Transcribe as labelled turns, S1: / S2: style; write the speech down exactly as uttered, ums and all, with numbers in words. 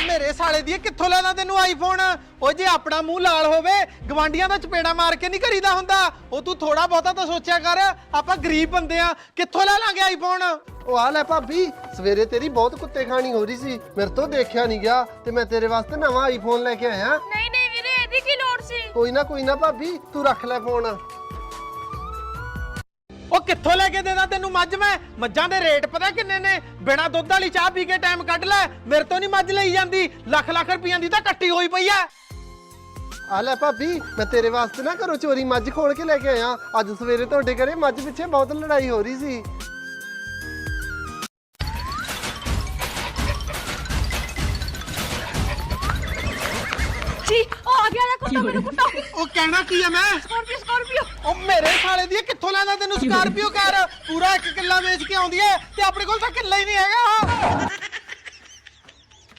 S1: ਮੇਰੇ ਸਾਲੇ ਦੀ ਕਿੱਥੋਂ ਲੈਣਾ ਤੈਨੂੰ ਆਈਫੋਨ? ਉਹ ਜੇ ਆਪਣਾ ਮੂੰਹ ਲਾਲ ਹੋਵੇ ਗਵਾਂਡੀਆਂ ਦਾ ਚਪੇੜਾ ਮਾਰ ਕੇ ਨਹੀਂ ਕਰੀਦਾ ਹੁੰਦਾ। ਉਹ ਤੂੰ ਥੋੜਾ ਬਹੁਤਾ ਤਾਂ ਸੋਚਿਆ ਕਰ, ਆਪਾਂ ਗਰੀਬ ਬੰਦੇ ਆ, ਕਿੱਥੋਂ ਲੈ ਲਾਂਗੇ ਆਈਫੋਨ?
S2: ਉਹ ਆ ਲੈ ਭਾਬੀ, ਸਵੇਰੇ ਤੇਰੀ ਬਹੁਤ ਕੁੱਤੇ ਖਾਣੀ ਹੋ ਰਹੀ ਸੀ, ਮੇਰੇ ਤੋਂ ਦੇਖਿਆ ਨਹੀਂ ਗਿਆ ਤੇ ਮੈਂ ਤੇਰੇ ਵਾਸਤੇ ਨਵਾਂ ਆਈਫੋਨ ਲੈ ਕੇ ਆਇਆ।
S3: ਨਹੀਂ ਨਹੀਂ ਵੀਰੇ, ਇਹਦੀ ਕੀ ਲੋੜ ਸੀ?
S2: ਕੋਈ ਨਾ ਕੋਈ ਨਾ ਭਾਬੀ, ਤੂੰ ਰੱਖ ਲੈ ਫੋਨ।
S1: ਉਹ ਕਿੱਥੋਂ ਲੈ ਕੇ ਦੇਦਾ ਤੈਨੂੰ ਮੱਝ? ਮੈਂ ਮੱਝਾਂ ਦੇ ਰੇਟ ਪਤਾ ਕਿੰਨੇ ਨੇ? ਬਿਨਾ ਦੁੱਧ ਵਾਲੀ ਚਾਹ ਪੀ ਕੇ ਟਾਈਮ ਕੱਢ ਲੈ, ਮੇਰੇ ਤੋਂ ਨਹੀਂ ਮੱਝ ਲਈ ਜਾਂਦੀ। ਲੱਖ ਲੱਖ ਰੁਪਈਆਂ ਦੀ ਤਾਂ ਕੱਟੀ ਹੋਈ ਪਈ ਐ।
S2: ਆ ਲੈ ਭਾਬੀ, ਮੈਂ ਤੇਰੇ ਵਾਸਤੇ ਨਾ ਘਰੋਂ ਚੋਰੀ ਮੱਝ ਖੋਲ ਕੇ ਲੈ ਕੇ ਆਇਆ। ਅੱਜ ਸਵੇਰੇ ਤੁਹਾਡੇ ਘਰੇ ਮੱਝ ਪਿੱਛੇ ਬਹੁਤ ਲੜਾਈ ਹੋ ਰਹੀ ਸੀ।
S3: ਜੀ ਉਹ ਆ ਗਿਆ, ਕੁੱਤਾ ਮੈਨੂੰ ਕੁੱਤਾ।
S1: ਉਹ ਕਹਿਣਾ ਕੀ ਐ ਮੈਂ?
S3: Scorpio Scorpio.
S1: ਉਹ ਮੇਰੇ ਸਾਲੇ ਦੀ ਕਿੱਥੋਂ ਲੈਂਦਾ ਤੈਨੂੰ ਸਕਾਰਪੀਓ ਕਾਰ? ਪੂਰਾ ਇੱਕ ਕਿੱਲਾ ਵੇਚ ਕੇ ਆਉਂਦੀ ਐ ਤੇ ਆਪਣੇ ਕੋਲ ਤਾਂ ਕਿੱਲਾ ਹੀ ਨਹੀਂ ਹੈਗਾ।